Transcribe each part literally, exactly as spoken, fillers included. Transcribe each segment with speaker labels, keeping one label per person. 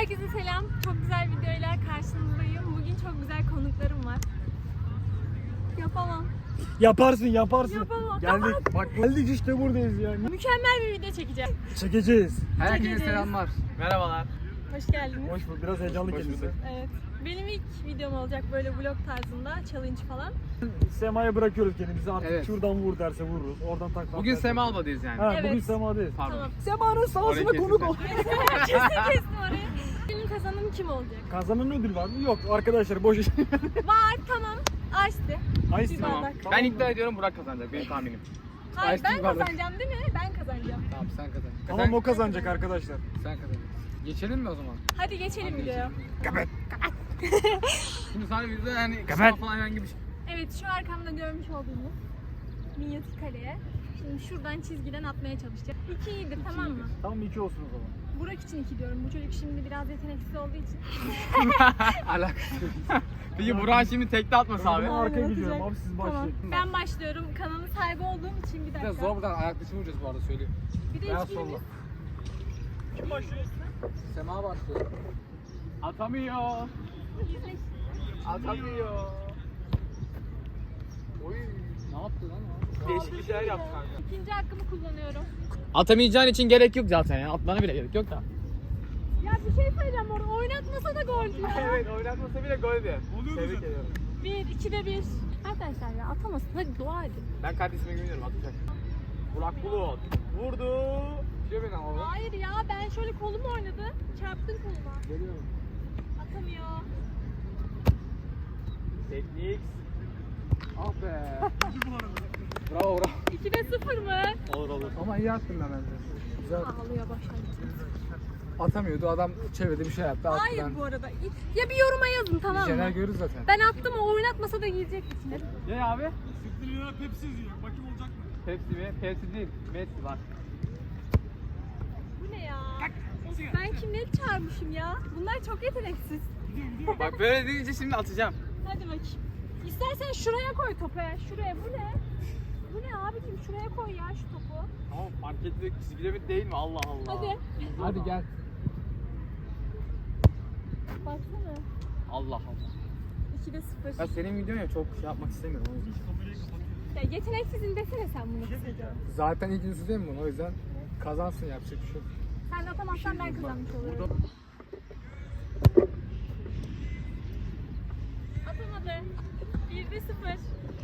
Speaker 1: Herkese selam. Çok güzel videoyla karşınızdayım. Bugün çok güzel konuklarım var. Yapamam.
Speaker 2: Yaparsın yaparsın.
Speaker 1: Yapamam.
Speaker 2: Geldik. Bak geldik işte buradayız yani.
Speaker 1: Mükemmel bir video çekeceğim.
Speaker 2: Çekeceğiz.
Speaker 3: Herkese
Speaker 1: Çekeceğiz.
Speaker 3: selamlar. Merhabalar.
Speaker 1: Hoş geldiniz.
Speaker 2: Hoş bulduk. Biraz heyecanlı
Speaker 3: Hoş
Speaker 2: kendisi.
Speaker 3: bulduk.
Speaker 1: Evet. Benim ilk videom olacak böyle vlog tarzında, challenge falan.
Speaker 2: Sema'ya bırakıyoruz kendimizi artık.
Speaker 3: Evet.
Speaker 2: Şuradan vur derse vururuz. Oradan tak.
Speaker 3: Bugün
Speaker 2: derse-
Speaker 3: Sema Alba'dayız yani.
Speaker 2: Ha,
Speaker 1: Evet.
Speaker 2: bugün Sema'dayız.
Speaker 3: Pardon.
Speaker 1: Tamam.
Speaker 2: Sema'nın sahasına
Speaker 3: Orayı
Speaker 2: konuk
Speaker 3: kesin
Speaker 2: ol.
Speaker 1: Kesin kestim orayı. Benim kazanım kim olacak?
Speaker 2: Kazanan ödül var mı? Yok arkadaşlar boş iş.
Speaker 1: Var, tamam. Açtı.
Speaker 2: Ay
Speaker 1: Bir
Speaker 3: Tamam.
Speaker 1: bardak.
Speaker 3: Ben iddia ediyorum Burak kazanacak. Benim tahminim.
Speaker 1: Hayır,
Speaker 3: Ice
Speaker 1: ben
Speaker 3: tea bardak.
Speaker 1: kazanacağım değil mi? Ben kazanacağım.
Speaker 3: Tamam sen kazan.
Speaker 2: Tamam o kazanacak arkadaşlar.
Speaker 3: Sen kazan. Geçelim mi o zaman?
Speaker 1: Hadi geçelim videoya.
Speaker 2: Kapat.
Speaker 3: Şimdi sana bir de yani
Speaker 2: Kapat.
Speaker 3: kısa falan herhangi bir şey.
Speaker 1: Evet, şu arkamda görmüş olduğunuz minyatür kaleye. Şimdi şuradan çizgiden atmaya çalışacağım. İki iyidir, tamam mı?
Speaker 2: Tamam iki olsun o zaman.
Speaker 1: Burak için iki diyorum. Bu çocuk şimdi biraz yeteneksiz olduğu için.
Speaker 3: Alakası yok. Peki Burak şimdi tekte atmasa
Speaker 2: Ben
Speaker 3: abi.
Speaker 2: bunu arkaya
Speaker 1: Aynen,
Speaker 2: gidiyorum
Speaker 1: atacak.
Speaker 2: abi siz
Speaker 1: Tamam.
Speaker 2: başlayın.
Speaker 1: Ben başlıyorum. Kanalın sahibi olduğum için bir
Speaker 3: Bir de
Speaker 1: dakika.
Speaker 3: zor buradan ayak dışı vuracağız bu arada söyleyeyim.
Speaker 1: Bir de
Speaker 3: Beyaz
Speaker 1: hiçbirimiz...
Speaker 3: solla.
Speaker 2: Kim başlıyor?
Speaker 3: Sema başlıyor. Atamıyor. Atamıyor. Oy. Ne yaptı lan o? Değişik bir şeyler yaptı kanka.
Speaker 1: İkinci hakkımı kullanıyorum.
Speaker 3: Atamayacağın için gerek yok zaten ya. Atmana bile gerek yok da.
Speaker 1: Ya bir şey söyleyeceğim orada. Oynatmasa da gol ya.
Speaker 3: Evet oynatmasa bile gol diye. Tebrik ediyorum.
Speaker 1: Bir, ikide bir. Arkadaşlar ya atamasın. Hadi dua edin.
Speaker 3: Ben kardeşime güveniyorum atacak. Burak Bulut vurdu. Şey beni ama.
Speaker 1: Hayır ya, ben şöyle kolumu oynadı. Çarptın koluma.
Speaker 3: Geliyorum.
Speaker 1: Atamıyor.
Speaker 3: Teknik. Ah be. Bravo bravo.
Speaker 1: ikide sıfır mı?
Speaker 3: Olur olur. Ama iyi attın ben bence. Güzel.
Speaker 1: Ağlıyor başladı.
Speaker 3: Atamıyordu adam çevirdi bir şey yaptı. Attı
Speaker 1: Hayır
Speaker 3: ben.
Speaker 1: bu arada. Ya bir yoruma yazın, tamam
Speaker 3: Jener
Speaker 1: mı?
Speaker 3: görürüz zaten.
Speaker 1: Ben attım, o oynatmasa da girecek içine.
Speaker 3: Ne abi?
Speaker 2: Siktir ya Pepsi izliyor. Bakayım olacak mı?
Speaker 3: Pepsi mi? Pepsi değil. Messi var.
Speaker 1: Bu ne ya? Ben kimleri çağırmışım ya? Bunlar çok yeteneksiz.
Speaker 3: Bak böyle deyince şimdi atacağım.
Speaker 1: Hadi bakayım. İstersen şuraya koy topu. Şuraya. Bu ne? Bu ne abicim? Şuraya koy ya şu topu.
Speaker 3: Tamam fark ettik. Çizgide mi değil mi? Allah Allah.
Speaker 1: Hadi.
Speaker 3: Hadi gel.
Speaker 1: Baksana.
Speaker 3: Allah Allah.
Speaker 1: ikide sıfır.
Speaker 3: Ya senin videon ya çok şey yapmak istemiyorum o yüzden.
Speaker 1: Ya yeteneksizin desene sen bunu kısaca.
Speaker 3: Zaten ilk yüzü değil mi bunu? O yüzden kazansın yapacak bir şey yok.
Speaker 1: Sen de atamazsan ben kazanmış olurum. Atamadı. birde sıfır.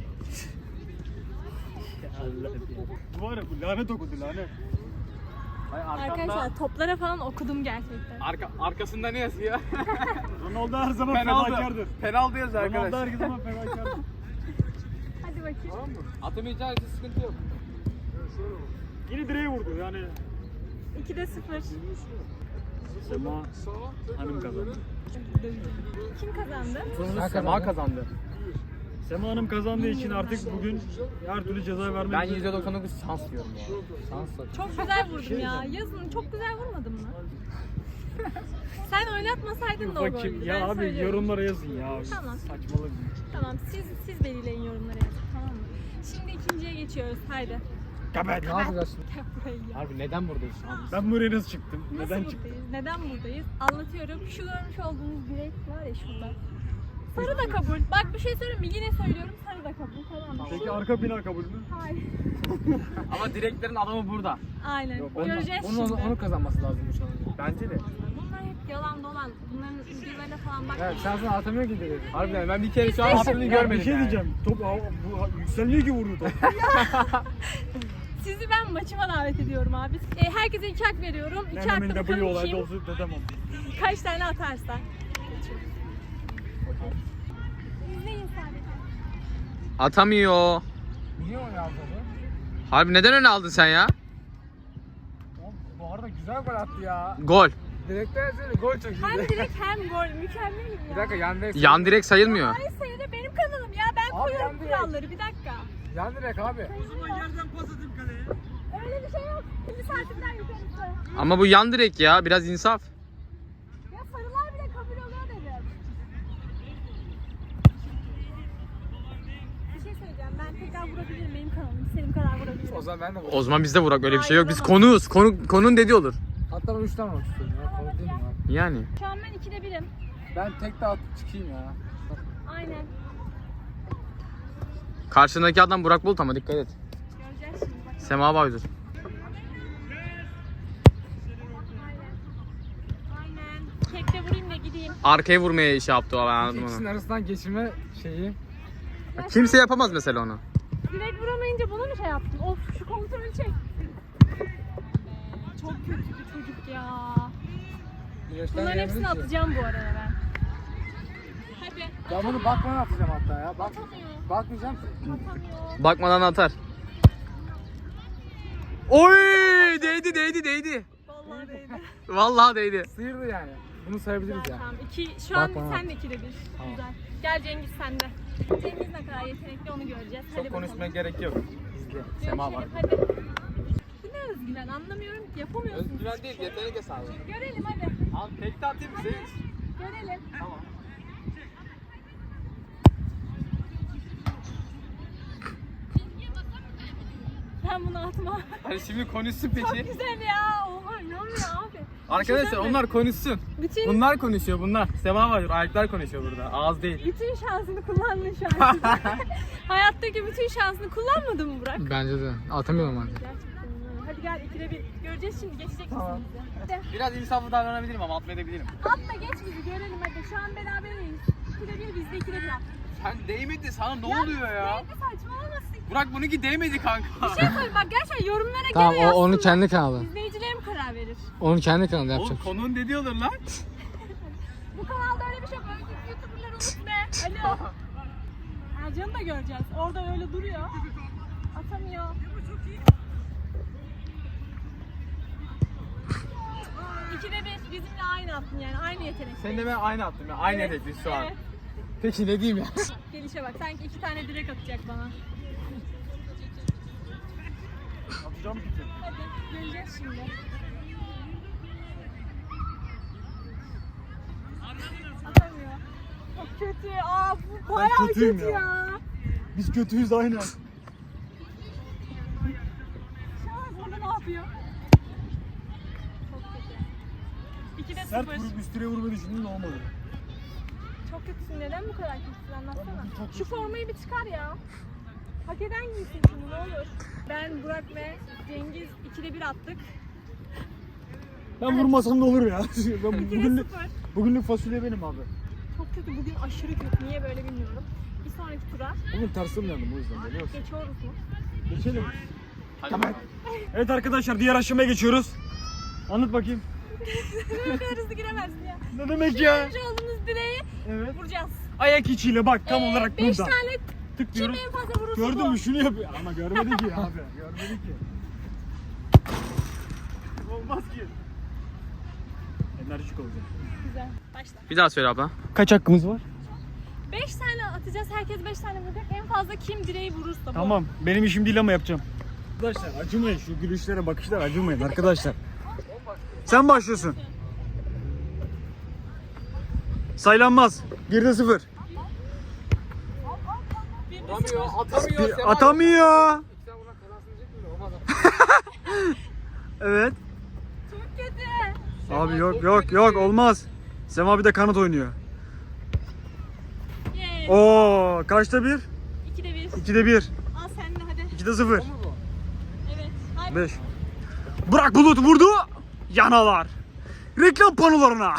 Speaker 2: Bu var ya bu lanet okudu lanet.
Speaker 3: Hayır,
Speaker 1: Arkadaşlar toplara falan okudum gerçekten.
Speaker 3: Arka, arkasında ne yazıyor?
Speaker 2: Ronaldo her zaman
Speaker 3: Penaltı.
Speaker 2: fedakardır.
Speaker 3: Penaltı yazıyor
Speaker 2: Ronaldo her
Speaker 3: arkadaş.
Speaker 2: zaman fedakardır.
Speaker 1: Hadi bakayım.
Speaker 2: Tamam mı?
Speaker 3: Atamayacağı için sıkıntı yok.
Speaker 2: Yine direğe vurdu yani.
Speaker 1: ikide sıfır.
Speaker 2: Sema Hanım kazandı.
Speaker 1: Kim kazandı?
Speaker 3: Sema kazandı.
Speaker 2: Sema Hanım kazandığı için artık bugün her türlü ceza vermek
Speaker 3: Ben
Speaker 2: üzere.
Speaker 3: yüzde doksan dokuz şans diyorum ya. Şans da.
Speaker 1: Çok güzel vurdum ya. Yazın çok güzel vurmadın mı? Sen oynatmasaydın da o
Speaker 2: Bakayım
Speaker 1: goldü.
Speaker 2: ya
Speaker 1: Ben
Speaker 2: abi
Speaker 1: söylüyorum.
Speaker 2: yorumlara yazın ya.
Speaker 1: Tamam.
Speaker 2: Saçmalık.
Speaker 1: Tamam, siz siz belirleyin yorumlara yazın, tamam mı? Şimdi ikinciye geçiyoruz. Haydi.
Speaker 2: Kapat.
Speaker 3: Ne yapacağız şimdi?
Speaker 1: Gel buraya ya.
Speaker 3: Harbi neden buradayız şu an?
Speaker 2: Ben buraya nasıl çıktım?
Speaker 1: Nasıl
Speaker 2: Neden
Speaker 1: buradayız?
Speaker 2: çıktım?
Speaker 1: Neden buradayız? Anlatıyorum. Şu görmüş olduğunuz direk var ya şurada. Sarı da kabul. Bak bir şey söyleyeyim mi? Yine söylüyorum, sarı da kabul. Tamam mı?
Speaker 2: Peki arka bina kabul mü?
Speaker 1: Hayır.
Speaker 3: Ama direklerin adamı burada.
Speaker 1: Aynen.
Speaker 3: Onu,
Speaker 1: Göreceğiz
Speaker 3: onu,
Speaker 1: şimdi.
Speaker 3: onu kazanması lazım şu an. Bence de.
Speaker 1: Bunlar hep yalan dolan. Bunların videolarına falan bak.
Speaker 3: Evet sen sana atamıyor ki direkt. Harbiden ben bir kere şu an
Speaker 1: Biz-
Speaker 3: attığını
Speaker 1: Ya,
Speaker 3: görmedim.
Speaker 2: Bir şey
Speaker 3: yani.
Speaker 2: diyeceğim. Top aa, bu yükselmiyor ki vurdu top.
Speaker 1: Sizi ben maçıma davet ediyorum abi. E, herkese iki hak veriyorum. İki hakta
Speaker 2: Nenemin de bu
Speaker 1: bakalım
Speaker 2: olayda
Speaker 1: kim
Speaker 2: olsun dedemem.
Speaker 1: kaç tane atarsa. İzleyin sadece.
Speaker 3: Atamıyor. Niye o yazdı? Harbi neden öne aldın sen ya?
Speaker 2: Bu arada güzel gol attı ya.
Speaker 3: Gol.
Speaker 4: Direkten yazıyor, gol çok iyi.
Speaker 1: Hem direkt hem gol. Mükemmel ya.
Speaker 4: Bir dakika yan direk.
Speaker 3: Yan direk sayılmıyor.
Speaker 1: Hayır sayıda benim kanalım ya. Ben
Speaker 4: Abi,
Speaker 1: koyuyorum
Speaker 4: ben de-
Speaker 1: kuralları. Bir dakika.
Speaker 4: Yan direk abi.
Speaker 1: Öyle bir şey yok. Bir saatimden yukarısı.
Speaker 3: Ama bu yan direk ya. Biraz insaf.
Speaker 1: Ya sarılar bile kabul oluyor dedim. Bir şey söyleyeceğim. Ben tekrar vurabilirim. Benim kanalım. İstediğim kadar vurabilirim.
Speaker 4: O zaman ben de
Speaker 3: O zaman bizde Burak öyle bir şey yok. Biz konuğuz. Konu, konun dediği olur.
Speaker 4: Hatta ben üç tane olmak istiyorum ya. Konu değil mi abi?
Speaker 3: Yani.
Speaker 1: Şu an ben ikide birim.
Speaker 4: Ben tek de atıp çıkayım ya.
Speaker 1: Aynen.
Speaker 3: Karşındaki adam Burak Bulut ama dikkat et.
Speaker 1: Göreceğiz şimdi bak.
Speaker 3: Sema Baydur.
Speaker 1: Aynen. Tekte vurayım da gideyim.
Speaker 3: Arkaya vurmaya şey yaptı o, ben anladım
Speaker 4: İkisinin
Speaker 3: onu.
Speaker 4: arasından geçirme şeyi.
Speaker 3: Kimse yapamaz mesela onu.
Speaker 1: Direkt vuramayınca bunu mu şey yaptın? Of şu kontrolü çek. Çok kötü bir çocuk ya. Bunların hepsini atacağım bu arada ben. Hadi.
Speaker 4: Ben bunu bakmadan atacağım hatta ya. Bak,
Speaker 1: Atamıyor.
Speaker 4: bakmayacağım.
Speaker 1: Atamıyor.
Speaker 3: Bakmadan atar. Oy! Değdi değdi değdi.
Speaker 1: Vallahi değdi.
Speaker 3: Vallahi değdi.
Speaker 4: Sıyırdı yani. Bunu sayabiliriz
Speaker 1: Güzel,
Speaker 4: ya.
Speaker 1: tamam. İki, şu an
Speaker 4: Bak bana.
Speaker 1: sen de ikide bir.
Speaker 4: Tamam.
Speaker 1: Güzel. Gel Cengiz sen de. Cengiz ne kadar yetenekli onu göreceğiz. Hadi
Speaker 4: Çok konuşmaya
Speaker 1: bakalım.
Speaker 4: gerek yok. İzle. Sema var.
Speaker 1: Görüşelim, hadi. Bu ne özgüven anlamıyorum ki yapamıyorsunuz.
Speaker 4: Özgüven değil, yetenek hesabı.
Speaker 1: Görelim hadi.
Speaker 4: Abi tek de atayım mı?
Speaker 1: Görelim.
Speaker 4: Tamam.
Speaker 1: Ben bunu atmam.
Speaker 4: Hadi şimdi konuşsun
Speaker 1: Çok
Speaker 4: peki.
Speaker 1: güzel ya. Oha inanmıyor abi.
Speaker 4: Arkadaşlar
Speaker 1: Düşünsene.
Speaker 4: onlar konuşsun.
Speaker 1: Bütün
Speaker 4: Bunlar konuşuyor bunlar. Sema var, ayaklar konuşuyor burada. Ağız değil.
Speaker 1: bütün şansını kullandın şu an. Hayattaki bütün şansını kullanmadın mı Burak?
Speaker 3: Bence de. Atamıyorum artık.
Speaker 1: Gerçekten öyle. Hadi gel ikide bir. Göreceğiz şimdi geçecek
Speaker 4: Tamam.
Speaker 1: misin bizi? Hadi.
Speaker 4: Biraz insaflı davranabilirim ama atmayabilirim.
Speaker 1: Atma geç bizi görelim hadi. Şu an beraberiz. İkide bir bizde ikide bir at.
Speaker 4: Sen değmedi sana ne
Speaker 1: Ya,
Speaker 4: oluyor ya?
Speaker 1: Neydi saçmalamasın.
Speaker 4: Burak bununki değmedi kanka.
Speaker 1: Bir şey söyle bak gerçekten yorumlara
Speaker 3: Tamam
Speaker 1: gene
Speaker 3: o, onun
Speaker 1: yazsınlar.
Speaker 3: kendi kanalı.
Speaker 1: İzleyicilerim karar verir.
Speaker 3: Onun kendi kanalı
Speaker 4: Oğlum
Speaker 3: yapacak.
Speaker 4: konunun dediği olur lan.
Speaker 1: Bu kanalda öyle bir şey yok. Öyle YouTuber'ları unut be. Alo. Ercan'ı da göreceğiz. Orada öyle duruyor. Atamıyor. İkide bir bizimle aynı attın yani aynı yetenek.
Speaker 4: Sen de ben aynı attım ya. Aynı
Speaker 1: Evet,
Speaker 4: hedefliyiz şu an.
Speaker 1: evet.
Speaker 4: Peki ne diyeyim ya?
Speaker 1: Gelişe bak sanki iki tane direkt atacak bana.
Speaker 2: Atacağım ki.
Speaker 1: Hadi göreceğiz şimdi. Atamıyor. Çok kötü. Aa bu bayağı
Speaker 2: kötüyüm
Speaker 1: kötü ya.
Speaker 2: ya. Biz kötüyüz aynen.
Speaker 1: Şu an burada ne yapıyor? Çok kötü. İkide
Speaker 2: Sert
Speaker 1: sıfır.
Speaker 2: vurup üstüne vurmayı düşündüm de olmadı.
Speaker 1: Çok kötüsün. Neden bu kadar kötüsün anlatsana.
Speaker 2: Abi, çok
Speaker 1: Şu formayı bir çıkar ya. Hak eden giysin şunu ne olur. Ben, Burak ve Cengiz ikide bir attık.
Speaker 2: Ben vurmasam da olur ya. Ben
Speaker 1: İkide
Speaker 2: bugünlük,
Speaker 1: sıfır.
Speaker 2: bugünlük fasulye benim abi.
Speaker 1: Çok kötü. Bugün aşırı kötü. Niye böyle bilmiyorum. Bir sonraki tura
Speaker 2: Bugün tersim yandım o yüzden biliyor musun?
Speaker 1: geçiyoruz mu?
Speaker 2: Geçelim. Tamam. Evet arkadaşlar diğer aşamaya geçiyoruz. Anlat bakayım.
Speaker 1: Ne kadar hızlı giremezsin ya.
Speaker 2: Ne demek ya?
Speaker 1: Görmüş olduğunuz direği
Speaker 2: Evet.
Speaker 1: vuracağız.
Speaker 2: Ayak içiyle bak tam
Speaker 1: Ee,
Speaker 2: olarak
Speaker 1: beş
Speaker 2: burada.
Speaker 1: tane kim
Speaker 2: Tıklıyoruz.
Speaker 1: en fazla vurursa
Speaker 2: Gördün
Speaker 1: bu.
Speaker 2: mü şunu yapıyor. Ama görmedi ki abi. Görmedi ki. Olmaz ki. Enerjik olacak.
Speaker 1: Güzel. Başla.
Speaker 3: Bir daha söyle abla.
Speaker 2: Kaç hakkımız var?
Speaker 1: beş tane atacağız. Herkes beş tane vuracak. En fazla kim direği vurursa bu.
Speaker 2: Tamam. Benim işim değil ama yapacağım. Arkadaşlar acımayın. Şu gülüşlere bakışlara acımayın arkadaşlar. Sen başlıyorsun. Saylanmaz. Geride sıfır.
Speaker 4: Atamıyor, atamıyor.
Speaker 2: Bir-
Speaker 4: Sema.
Speaker 2: Atamıyor.
Speaker 4: Sen buna kazansın diyecek mi? Olmaz.
Speaker 1: Çok
Speaker 2: Evet.
Speaker 1: kötü.
Speaker 2: Abi yok yok yok olmaz. Sema bir de kanat oynuyor.
Speaker 1: Yes.
Speaker 2: Oo kaçta bir?
Speaker 1: İkide bir.
Speaker 2: ikide bir.
Speaker 1: Al sen de hadi.
Speaker 2: ikide sıfır.
Speaker 1: Evet. Hadi.
Speaker 2: beş. Burak Bulut vurdu. Yanalar. Reklam panolarına.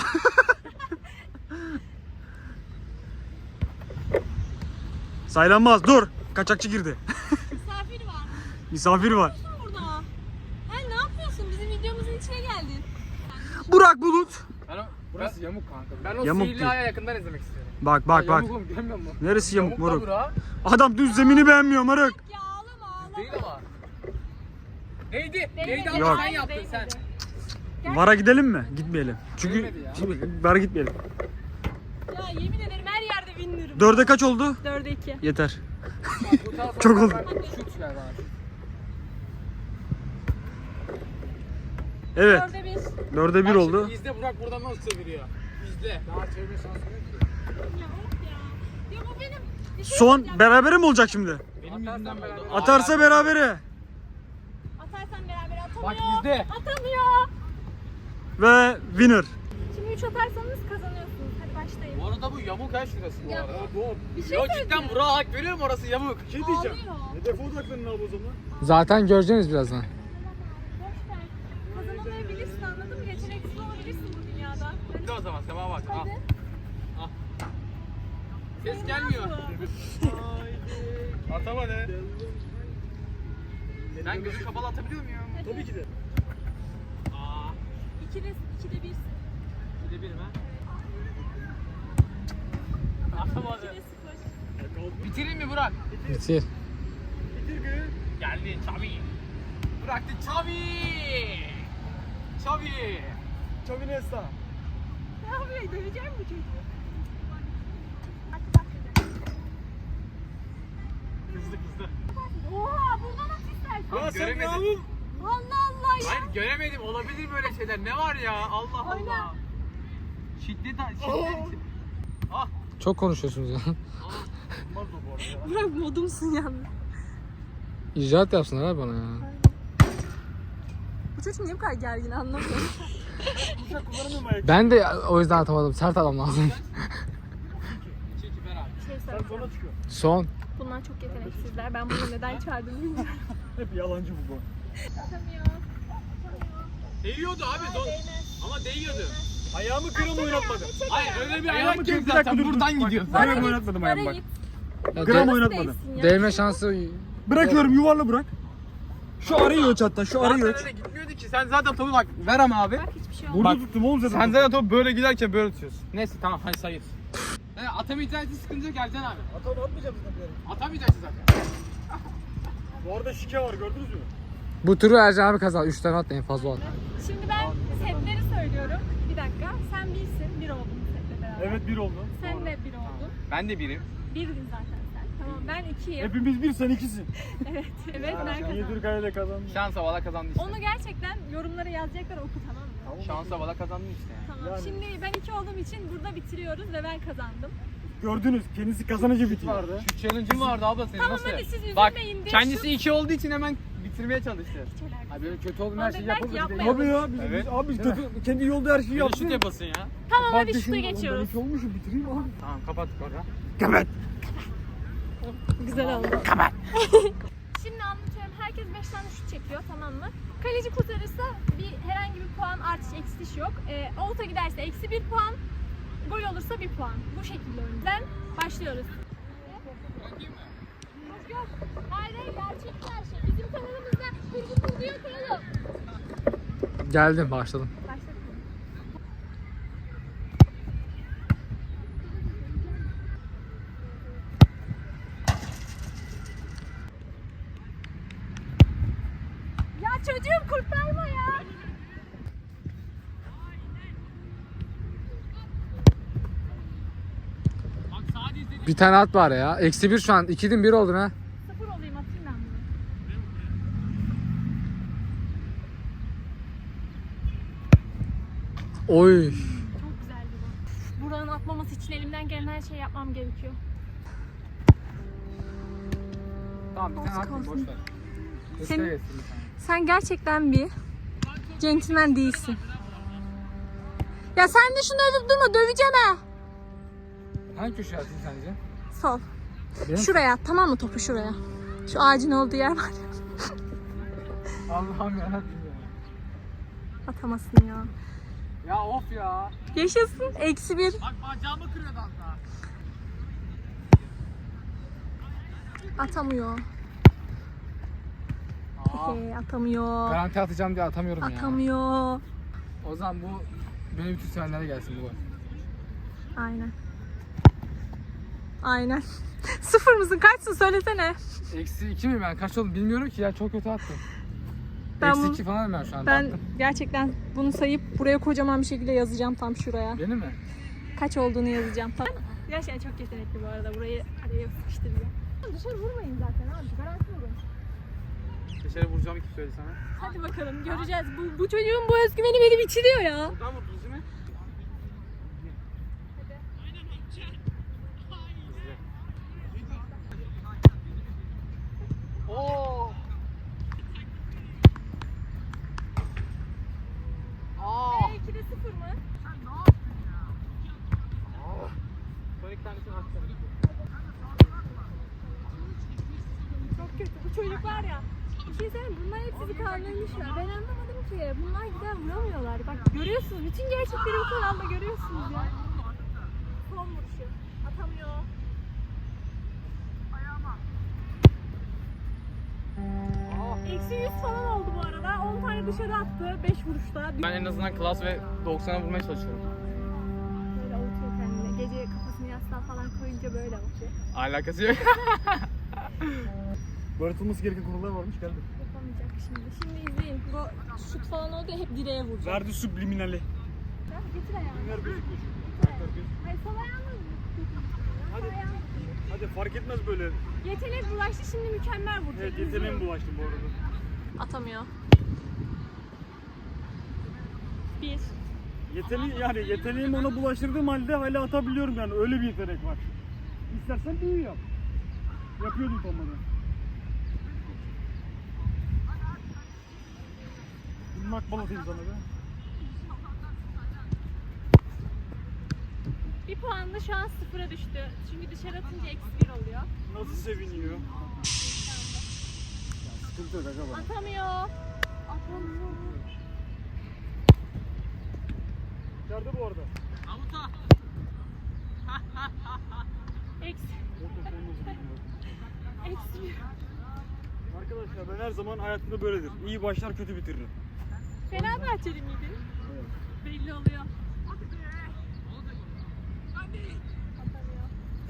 Speaker 2: Saylanmaz. Dur. Kaçakçı girdi.
Speaker 1: Misafir var.
Speaker 2: Misafir var.
Speaker 1: Ne burada? Hey ne yapıyorsun? Bizim videomuzun içine geldin.
Speaker 2: Burak Bulut.
Speaker 4: Ben o, burası yamuk kanka. Ben o
Speaker 2: Yamuk
Speaker 4: sihirli
Speaker 2: değil.
Speaker 4: ayağı yakından izlemek istiyorum.
Speaker 2: Bak bak
Speaker 4: Ya
Speaker 2: bak.
Speaker 4: Yamuk oğlum görmüyor musun?
Speaker 2: Neresi yamuk
Speaker 4: da
Speaker 2: moruk?
Speaker 4: bura.
Speaker 2: Adam düz zemini beğenmiyor moruk.
Speaker 1: Ya ağlama ağlama.
Speaker 4: Değil ama. Neydi?
Speaker 1: Değmedi.
Speaker 4: Neydi ama
Speaker 2: Yok.
Speaker 4: sen yaptın
Speaker 1: Değmedi.
Speaker 4: sen.
Speaker 2: Vara gidelim mi? Gitmeyelim. Çünkü
Speaker 4: Değmedi ya.
Speaker 2: şimdi vara gitmeyelim.
Speaker 1: Ya yemin ederim her yerde winner'ım.
Speaker 2: Dörde kaç oldu?
Speaker 1: Dörde iki.
Speaker 2: Yeter.
Speaker 4: Bu taraftan
Speaker 2: Çok oldu.
Speaker 4: ben- Şut ver bana.
Speaker 2: Evet.
Speaker 1: Dörde bir.
Speaker 2: Dörde bir
Speaker 4: Bak
Speaker 2: oldu.
Speaker 4: şimdi İzle Burak buradan nasıl çeviriyor. İzle. Daha çevirme şansı yok ki.
Speaker 1: Ya of ya. Ya bu benim. Bir şey
Speaker 2: Son
Speaker 1: diyeceğim.
Speaker 2: berabere mi olacak şimdi?
Speaker 4: Benim yüzümden beraber.
Speaker 2: Atarsa berabere.
Speaker 1: Atarsan beraber atamıyor.
Speaker 4: Bak bizde.
Speaker 1: Atamıyor.
Speaker 2: Ve winner.
Speaker 1: Şimdi üç atarsanız kazanıyorsunuz. Hadi başlayın.
Speaker 3: Bu arada bu yamuk ha şurası bu
Speaker 1: Ya,
Speaker 3: arada.
Speaker 2: Bu
Speaker 1: Bir şey
Speaker 3: Yok
Speaker 1: söyleyeceğim.
Speaker 3: cidden Burak'a hak veriyorum, orası yamuk.
Speaker 2: bir şey diyeceğim.
Speaker 1: Ağlıyor.
Speaker 2: Hedefe odaklanın abi o zaman.
Speaker 5: Zaten göreceğiz birazdan.
Speaker 1: Boş ver. Kazanamayabilirsin, anladın mı? Yeteneksiz olabilirsin bu dünyada.
Speaker 3: Hadi o zaman Sema bak. Al.
Speaker 1: Hadi.
Speaker 3: Al. Ses gelmiyor.
Speaker 2: Atamadı.
Speaker 3: Ben gözü kapalı atabiliyor muyum?
Speaker 2: Tabii ki de.
Speaker 3: Aa.
Speaker 1: İkide, ikide birsin.
Speaker 3: Bir de bir mi? Atamadı.
Speaker 1: İkide sıfır.
Speaker 3: Bitireyim mi Burak?
Speaker 5: Bitir.
Speaker 2: Bitir gı.
Speaker 3: Geldi Xavi. Bıraktı Xavi. Xavi.
Speaker 2: Xavi Nesta.
Speaker 1: Ne yapıyor? Döveceğim bu çocuğu.
Speaker 3: Hızlı hızlı.
Speaker 1: Oha, buradan at istersen.
Speaker 3: Lan
Speaker 2: Ya sen
Speaker 3: göremedim.
Speaker 2: yavrum.
Speaker 1: Allah Allah ya.
Speaker 3: Hayır göremedim. Olabilir böyle şeyler. Ne var ya? Allah
Speaker 1: Oyna.
Speaker 3: Allah. Şiddet şiddet. Ah.
Speaker 5: Çok konuşuyorsunuz ya.
Speaker 2: Olmaz o bu arada.
Speaker 1: Bırak modumsun yalnız.
Speaker 5: İcraat yapsınlar abi bana ya.
Speaker 1: Bu çocuk niye bu kadar gergin anlamıyorum.
Speaker 2: Bıçak kullanamıyorum ayak.
Speaker 5: Ben de o yüzden atamadım. Sert adam lazım.
Speaker 3: Çekip ver abi.
Speaker 1: Şey
Speaker 2: Sen
Speaker 1: söyleyeceğim.
Speaker 2: sonra çıkıyor.
Speaker 5: Son.
Speaker 1: Bunlar çok yeteneksizler. Ben bunu neden çağırdım bilmiyorum.
Speaker 2: Hep yalancı bu bu.
Speaker 1: Atamıyor.
Speaker 3: Değiyordu abi. Zor. Ama değiyordu.
Speaker 2: Ayağımı gram oynatmadım.
Speaker 3: Hayır öyle bir
Speaker 2: Ayağımı
Speaker 3: ayak
Speaker 2: kır-
Speaker 3: yok
Speaker 2: bir dakika
Speaker 3: zaten.
Speaker 2: dur, dur.
Speaker 3: Buradan
Speaker 2: Bak,
Speaker 3: gidiyor.
Speaker 2: bak.
Speaker 1: Bana
Speaker 2: Gram
Speaker 1: git,
Speaker 2: oynatmadım
Speaker 1: bana
Speaker 2: ayağımı bak.
Speaker 1: git.
Speaker 5: Ya
Speaker 2: Gram
Speaker 5: de-
Speaker 2: oynatmadım.
Speaker 1: Değilsin ya.
Speaker 5: değme şansı
Speaker 2: Bırakıyorum yuvarla bırak. Şu arayı ölç hatta şu arayı
Speaker 3: Zaten
Speaker 2: ölç.
Speaker 3: öyle gitmiyordu ki. Sen zaten topu bak. Ver ama abi.
Speaker 1: Bak hiçbir şey olmaz.
Speaker 2: Burada
Speaker 3: Bak,
Speaker 2: tuttum oğlum zaten.
Speaker 3: Sen zaten topu böyle giderken böyle tutuyorsun. Neyse tamam hadi sayıyoruz. Evet, atamayacaksın sıkıntı yok Ercan abi.
Speaker 2: Atam atmayacağım zaten bir yere.
Speaker 3: Atamayacaksın zaten.
Speaker 2: Bu arada şike var gördünüz mü?
Speaker 5: Bu turu Ercan abi kazan. üç tane at en fazla at.
Speaker 1: Şimdi ben setleri söylüyorum. Bir dakika. Sen birsin. Bir oldun setle beraber.
Speaker 2: Evet bir oldu.
Speaker 1: Sen de bir oldun.
Speaker 3: Ben de biriyim.
Speaker 1: Birdin zaten sen. Tamam ben ikiyim.
Speaker 2: Hepimiz bir sen ikisin.
Speaker 1: Evet. Evet ben
Speaker 2: Niye
Speaker 1: kazandım.
Speaker 2: Türkay'la kazandın?
Speaker 3: Şans havala kazandın işte.
Speaker 1: Onu gerçekten yorumlara yazacaklar, oku tamam mı?
Speaker 3: Şans havala kazandın işte. Yani.
Speaker 1: Tamam.
Speaker 2: Yani-
Speaker 1: Şimdi ben iki olduğum için burada bitiriyoruz ve ben kazandım.
Speaker 2: Gördünüz kendisi kazanıcı bitiyor.
Speaker 3: Şu challenge'ın vardı abla senin
Speaker 1: Tamam,
Speaker 3: nasıl?
Speaker 1: hadi siz üzülmeyin
Speaker 3: Bak
Speaker 1: diye
Speaker 3: kendisi
Speaker 1: şu-
Speaker 3: iki olduğu için hemen bitirmeye çalıştı.
Speaker 1: Hiç alakası.
Speaker 3: Abi böyle kötü olduğum
Speaker 1: Bana
Speaker 3: her şeyi
Speaker 1: dediler ki
Speaker 3: yapıldı. Bir de-
Speaker 1: yapmayalım.
Speaker 2: Abi ya biz,
Speaker 3: Evet.
Speaker 2: biz abi biz kötü, kendi yolda her şeyi
Speaker 3: Bir de
Speaker 2: yaptık.
Speaker 3: şut yapasın ya.
Speaker 1: Tamam
Speaker 2: Bak
Speaker 1: hadi şuta
Speaker 2: şimdi, oğlum,
Speaker 1: geçiyoruz.
Speaker 2: Ben iki olmuşum bitireyim abi.
Speaker 3: Tamam kapattık orada.
Speaker 2: Kapat.
Speaker 1: Güzel oldu. Şimdi anlatıyorum. Herkes beş tane şut çekiyor, tamam mı? Kaleci kurtarırsa bir herhangi bir puan artış eksiş yok. Ee, out'a giderse eksi bir puan, gol olursa bir puan. Bu şekilde önden başlıyoruz. Yok. Hayır hayır, gerçek her şey. Bizim kanalımızda kurgu kurgu yok oğlum.
Speaker 5: Geldim başladım.
Speaker 1: Başladık mı? Ya çocuğum kurtarma ya.
Speaker 3: Bak sadece izledim.
Speaker 5: Bir tane at var ya. Eksi bir şu an. İkidin bir oldun ha.
Speaker 1: Sıfır olayım, atayım ben bunu.
Speaker 5: Oy.
Speaker 1: Çok güzeldi bu. Buranın atmaması için elimden gelen her şeyi yapmam gerekiyor.
Speaker 3: Tamam bir tane
Speaker 1: Olsun,
Speaker 3: atmayayım boş
Speaker 1: olsun.
Speaker 3: ver.
Speaker 1: Senin-
Speaker 3: Göster etsin bir tane.
Speaker 1: Sen gerçekten bir centilmen değilsin. Ya sen de şunu övüp durma, döveceğim ha.
Speaker 5: Hangi köşeye atayım sence?
Speaker 1: Sol.
Speaker 5: Benim-
Speaker 1: Şuraya at, tamam mı, topu şuraya. Şu ağacın olduğu yer var ya.
Speaker 5: Allah'ım yarabbim ya.
Speaker 1: Atamazsın ya.
Speaker 3: Ya of ya.
Speaker 1: Yaşasın. Eksi bir.
Speaker 3: Bak bacağımı kırıyordu hatta.
Speaker 1: Atamıyor.
Speaker 3: Aa.
Speaker 1: Hehe, atamıyor.
Speaker 5: Garanti atacağım diye atamıyorum ya.
Speaker 1: Atamıyor.
Speaker 5: O zaman bu benim bütün sevenlere gelsin bu gol.
Speaker 1: Aynen. Aynen. Sıfır mısın? Kaçsın? Söylesene.
Speaker 5: Eksi iki mi ben? Kaç oldum bilmiyorum ki ya. Çok kötü attım.
Speaker 1: Ben
Speaker 5: Eksi
Speaker 1: bunu-
Speaker 5: iki falan ben şu an.
Speaker 1: Ben
Speaker 5: baktım.
Speaker 1: gerçekten bunu sayıp buraya kocaman bir şekilde yazacağım, tam şuraya.
Speaker 5: Benim mi?
Speaker 1: Kaç olduğunu yazacağım. Tam. Gerçekten çok yetenekli bu arada. Burayı araya sıkıştıracağım. Dışarı vurmayın zaten abi. Garanti vurun.
Speaker 3: Dışarı vuracağım kim söyledi sana?
Speaker 1: Hadi bakalım, göreceğiz. Bu, bu çocuğun bu özgüveni beni bitiriyor ya.
Speaker 3: Buradan mı düzü mü? Oo. Aa.
Speaker 1: E ikide sıfır mı?
Speaker 5: tanesini atacağım.
Speaker 1: Çok kötü. Bu çocuk var ya. Bir şey söyleyeyim mi? Bunlar hep sizi kandırmışlar. Ben anlamadım ki. Bunlar gider vuramıyorlar. Bak görüyorsunuz. Bütün gerçekleri bu kanalda görüyorsunuz ya. Son vuruşu. Atamıyor. Eksi yüz falan oldu bu arada. on tane dışarı attı. beş vuruşta.
Speaker 5: Ben en azından klas ve doksana vurmaya çalışıyorum.
Speaker 1: Böyle avutuyor kendine. Gece kafasını yastığa falan koyunca böyle avutuyor.
Speaker 5: Alakası yok.
Speaker 2: Öğretilmesi gereken konular varmış geldi.
Speaker 1: Yapamayacak şimdi. Şimdi izleyin. Bu şut falan oldu ya hep direğe vuracak.
Speaker 2: Verdi subliminali.
Speaker 1: Ya getir ayağını.
Speaker 2: Ver gözüküyor.
Speaker 1: Hayır sol ayağını.
Speaker 2: Hadi. Hadi fark etmez böyle.
Speaker 1: Yetenek bulaştı şimdi mükemmel vuracak.
Speaker 2: Evet yeteneğim bulaştı bu arada.
Speaker 1: Atamıyor. Bir.
Speaker 2: Yeteneği yani yeteneğimi ona bulaştırdığım halde hala atabiliyorum yani öyle bir yetenek var. İstersen büyü yap. Yapıyordum tombada. Bunun akbal atayım sana be.
Speaker 1: Bir puan da şu an sıfıra düştü. Çünkü dışarı atınca eksi bir oluyor.
Speaker 2: Nasıl seviniyor. Sıkıntı yok aga bana.
Speaker 1: Atamıyor. Atamıyor.
Speaker 2: İçeride bu arada.
Speaker 1: Eksi. Eksi bir.
Speaker 2: Arkadaşlar ben her zaman hayatımda böyledir. İyi başlar kötü bitiririm.
Speaker 1: Fenerbahçeli miydin? Belli oluyor. Atamıyor.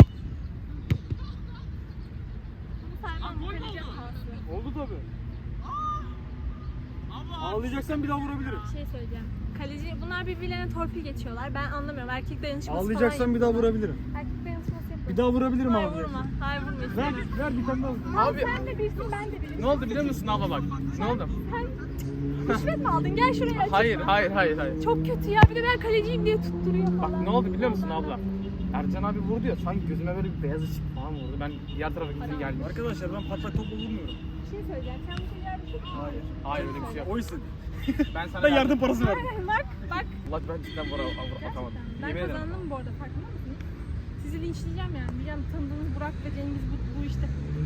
Speaker 1: Bunu saymam. Kaleci hatası.
Speaker 2: Oldu tabi. Ağlayacaksan bir daha vurabilirim.
Speaker 1: Bir şey söyleyeceğim. Kaleci, bunlar birbirlerine torpil geçiyorlar. Ben anlamıyorum. Erkek dayanışması
Speaker 2: Ağlayacaksan
Speaker 1: falan
Speaker 2: bir daha
Speaker 1: yapıyorlar.
Speaker 2: vurabilirim.
Speaker 1: Erkek dayanışması yapıyorlar.
Speaker 2: Bir daha vurabilirim
Speaker 1: Hayır
Speaker 2: abi.
Speaker 1: vurma. Hayır vurma.
Speaker 2: Ver, ver bir tane daha vur.
Speaker 1: Abi, sen de birisin ben de birim.
Speaker 5: Ne oldu biliyor musun abla bak? Ne oldu?
Speaker 1: Sen rüşvet mi aldın? Gel şuraya açıkla.
Speaker 5: Hayır, hayır, hayır, hayır.
Speaker 1: Çok kötü ya. Bir de ben kaleciyim diye tutturuyor falan.
Speaker 5: Bak ne oldu biliyor musun abla? Ercan abi vurdu ya, sanki gözüme böyle bir beyaz ışık falan vurdu. Ben diğer tarafa gittim geldim.
Speaker 2: Arkadaşlar ben patlak topla vurmuyorum.
Speaker 1: Bir şey söyleyeceğim. Sen bir şey yardım et.
Speaker 2: Hayır.
Speaker 5: Hayır öyle bir şey yok.
Speaker 2: O istedi.
Speaker 5: Ben sana
Speaker 2: Ben yardım parası verdim.
Speaker 1: Aynen bak bak.
Speaker 5: Allah ben cidden vura atamadım.
Speaker 1: Ben
Speaker 5: Yemin ederim.
Speaker 1: kazandım bu arada farkında mısınız? Sizi linçleyeceğim yani. Diyeceğim tanıdığınız Burak ve Cengiz bu, bu işte.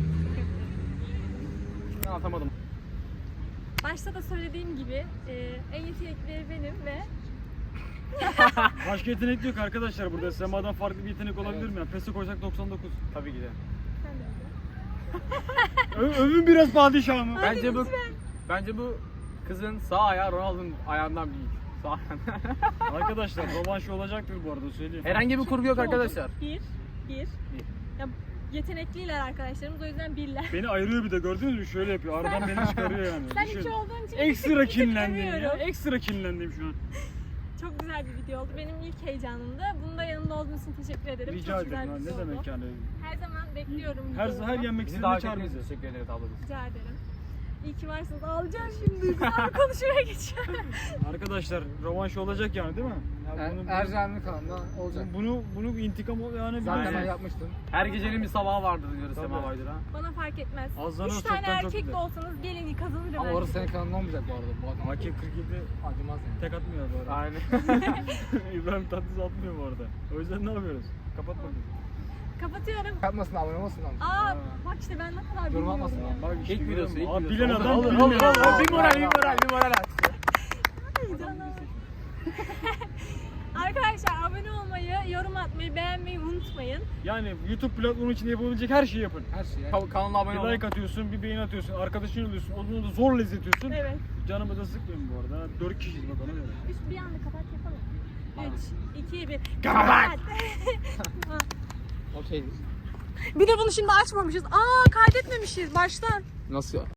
Speaker 5: Ben atamadım.
Speaker 1: Başta da söylediğim gibi e, en yetenekleri benim ve
Speaker 2: Başka yetenek yok arkadaşlar burada. Sema'dan farklı bir yetenek olabilir
Speaker 5: Evet.
Speaker 2: mi? Yani PES'e koysak doksan dokuz.
Speaker 5: Tabii ki de.
Speaker 1: sen de öyle.
Speaker 2: Ö övün biraz padişahımı.
Speaker 5: Bence bu bence bu kızın sağ ayağı Ronaldo'nun ayağından büyük. Sağ ayağından.
Speaker 2: Arkadaşlar rövanşı olacaktır bu arada söyleyeyim.
Speaker 5: Herhangi bir kurgu yok arkadaşlar.
Speaker 1: Bir, bir. Ya, yetenekliler arkadaşlarımız o yüzden birler.
Speaker 2: Beni ayırıyor bir de gördünüz mü? Şöyle yapıyor. Aradan beni çıkarıyor yani.
Speaker 1: Sen
Speaker 2: Düşün.
Speaker 1: iki olduğun için
Speaker 2: Ekstra
Speaker 1: bir tık
Speaker 2: kinlendim ya.
Speaker 1: övüyorum.
Speaker 2: Ekstra kinlendim şu an.
Speaker 1: Çok güzel bir video oldu. Benim ilk heyecanımdı. Bunda yanımda olduğunuz için teşekkür ederim.
Speaker 2: Rica
Speaker 1: Çok güzel
Speaker 2: ederim.
Speaker 1: bir
Speaker 2: ha,
Speaker 1: video
Speaker 2: Ne
Speaker 1: oldu.
Speaker 2: demek yani?
Speaker 1: Her zaman bekliyorum.
Speaker 2: Her
Speaker 1: videolarımı.
Speaker 2: her yenmek
Speaker 5: Bizi
Speaker 2: istediğinde
Speaker 5: davet
Speaker 2: çağır
Speaker 5: ettiğiniz
Speaker 2: bizi.
Speaker 5: için teşekkür ederiz ablacığım.
Speaker 1: Rica ederim. İyi ki varsınız. Ağlayacağım şimdi. Duygusal konuşmaya geçiyorum.
Speaker 2: Arkadaşlar rövanşı olacak yani değil mi? Ya bunu,
Speaker 5: Ercan'ın kanalında olacak.
Speaker 2: bunu bunu intikam ol- yani
Speaker 5: Zaten
Speaker 2: biliyorsun.
Speaker 5: ben yapmıştım. Her gecenin bir sabahı vardır diyoruz
Speaker 2: Tabii.
Speaker 5: Sema Baydır'a.
Speaker 1: Bana fark etmez.
Speaker 2: Azlanır,
Speaker 1: Üç tane
Speaker 2: çoktan çok
Speaker 1: erkek de
Speaker 2: gider.
Speaker 1: olsanız gelin kazanırım.
Speaker 5: Ama
Speaker 1: ben
Speaker 5: orası
Speaker 1: size.
Speaker 5: senin kanalında olmayacak bu arada. Bu adam
Speaker 2: A K kırk yedi
Speaker 5: acımaz yani.
Speaker 2: tek atmıyor bu arada.
Speaker 5: Aynen.
Speaker 2: İbrahim Tatlıses atmıyor bu arada. O yüzden ne yapıyoruz? Kapat bakayım.
Speaker 1: Kapatıyorum.
Speaker 5: Yapmasın abone olmasın ama.
Speaker 1: Aa bak işte ben ne kadar
Speaker 5: Yorum
Speaker 1: bilmiyorum
Speaker 5: atmasın
Speaker 1: ya.
Speaker 5: abi.
Speaker 2: Bak işte
Speaker 5: İlk
Speaker 2: görüyor
Speaker 5: videosu,
Speaker 2: musun?
Speaker 5: ilk
Speaker 2: Abi
Speaker 5: videosu.
Speaker 2: bilen
Speaker 5: Olur,
Speaker 2: adam
Speaker 5: olur,
Speaker 2: bilmiyor.
Speaker 5: olur, olur.
Speaker 2: Abi,
Speaker 5: Bir moral, bir moral, bir moral at.
Speaker 1: Ay canım. Arkadaşlar abone olmayı, yorum atmayı, beğenmeyi unutmayın.
Speaker 2: Yani YouTube platformu için yapabilecek her şeyi yapın.
Speaker 5: Her şey yani. Ka- Kanala abone
Speaker 2: Bir
Speaker 5: olun.
Speaker 2: like atıyorsun, bir beğeni atıyorsun, arkadaşını alıyorsun, onu da zorla izletiyorsun.
Speaker 1: Evet.
Speaker 2: Canımı da sıkmıyorum bu arada. Dört kişiyiz bak ona göre.
Speaker 1: Üç bir anda kapat yapalım. Üç, iki, bir.
Speaker 2: Kapat!
Speaker 5: Okey.
Speaker 1: Bir de bunu şimdi açmamışız. Aa kaydetmemişiz baştan.
Speaker 5: Nasıl ya?